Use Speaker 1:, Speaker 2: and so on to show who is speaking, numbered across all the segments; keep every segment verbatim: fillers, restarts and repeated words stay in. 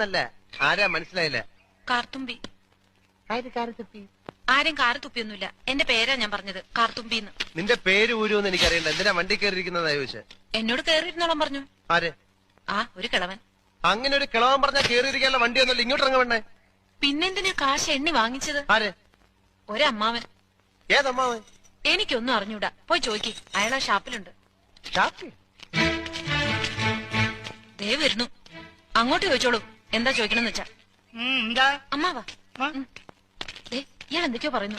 Speaker 1: ആരാന്നല്ല, ആരാ മനസ്സിലായില്ല.
Speaker 2: കാർത്തുമ്പി. ആരും കാറ് തുപ്പിയൊന്നുമില്ല. എന്റെ പേരാ ഞാൻ പറഞ്ഞത്, കാർത്തുമ്പിന്ന്.
Speaker 1: നിന്റെ പേര് ഊരുവെന്ന് എനിക്കറിയണ്ട. എന്തിനാ വണ്ടി കയറിയിരിക്കുന്നതാ ചോദിച്ചേ?
Speaker 2: എന്നോട് കേറിയിരുന്നോളം പറഞ്ഞു.
Speaker 1: ആര്?
Speaker 2: ആ ഒരു കിളവൻ.
Speaker 1: അങ്ങനെ ഒരു കിളവൻ പറഞ്ഞാൽ കയറിയിരിക്കാനുള്ള വണ്ടി ഒന്നുമില്ല. ഇങ്ങോട്ട് ഇറങ്ങ വേണ്ടേ?
Speaker 2: പിന്നെന്തിനാ കാശ് എണ്ണി വാങ്ങിച്ചത്?
Speaker 1: ആര്?
Speaker 2: ഒരമ്മാവൻ.
Speaker 1: ഏതമ്മാവൻ?
Speaker 2: എനിക്കൊന്നും അറിഞ്ഞൂടാ, പോയി ചോദിക്ക്. അയാളാ ഷാപ്പിലുണ്ട്. ദേ വരുന്നു, അങ്ങോട്ട് ചോദിച്ചോളൂ. എന്താ ചോദിക്കണമെന്ന് വെച്ചാ. അമ്മാവാ, ഇയാൾ എന്തൊക്കെയോ പറയുന്നു.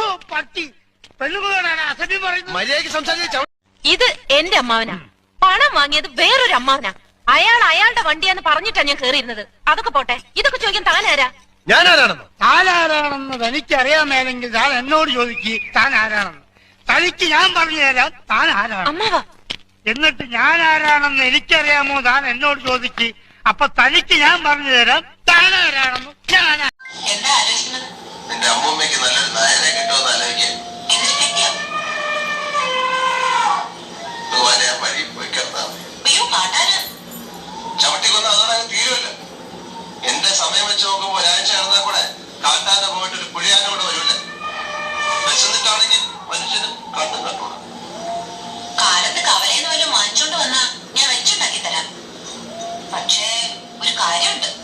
Speaker 2: ഇത് എന്റെ അമ്മാവനാ. പണം വാങ്ങിയത് വേറൊരു അമ്മാവനാ. അയാൾ അയാളുടെ വണ്ടിയാന്ന് പറഞ്ഞിട്ടാ ഞാൻ കേറിയിരുന്നത്. അതൊക്കെ പോട്ടെ, ഇതൊക്കെ ചോദിക്കാൻ താനാരാ?
Speaker 1: ഞാനാരാണെന്ന്
Speaker 3: താനാരാണെന്ന് തനിക്കറിയാമേലെങ്കിൽ താൻ എന്നോട് ചോദിക്ക് താൻ ആരാണെന്ന്. തനിക്ക് ഞാൻ പറഞ്ഞു തരാം താൻ ആരാണ്.
Speaker 2: അമ്മാവാ,
Speaker 3: എന്നിട്ട് ഞാൻ ആരാണെന്ന് എനിക്കറിയാമോ താൻ എന്നോട് ചോദിക്ക്. അപ്പൊ തനിക്ക് ഞാൻ പറഞ്ഞു തരാം താൻ ആരാണെന്ന്. ഞാൻ
Speaker 4: എന്താ ആലോചിക്കുന്നത്?
Speaker 5: നിന്റെ അമ്മൂമ്മയ്ക്ക് നല്ലൊരു നായരെ കിട്ടുമെന്ന് ആലോചിക്കാൻ.
Speaker 4: എന്തിനു പറ്റിയോ?
Speaker 5: ഭഗവാനെ ആ വഴി പോയി കിടന്നാൽ
Speaker 4: അയ്യോ കാട്ടാന്
Speaker 5: ചവിട്ടിക്കൊന്ന് അതോടെ തീരുമല്ലോ. എന്റെ സമയം വെച്ച് നോക്കുമ്പോ ഒരാഴ്ച കിടന്നാൽ കൂടെ കാട്ടാന പോയിട്ട് ഒരു പുഴയാന കൂടെ വരൂല്ലേ. വിശന്നിട്ടാണെങ്കിൽ മനുഷ്യന് കണ്ണും കണ്ടൂടാ.
Speaker 4: കാലത്ത് കവലയിൽ നിന്ന് വല്ലതും വാങ്ങിച്ചോണ്ട് വന്നാ ഞാൻ വെച്ചുണ്ടാക്കി തരാം. പക്ഷേ ഒരു കാര്യമുണ്ട്.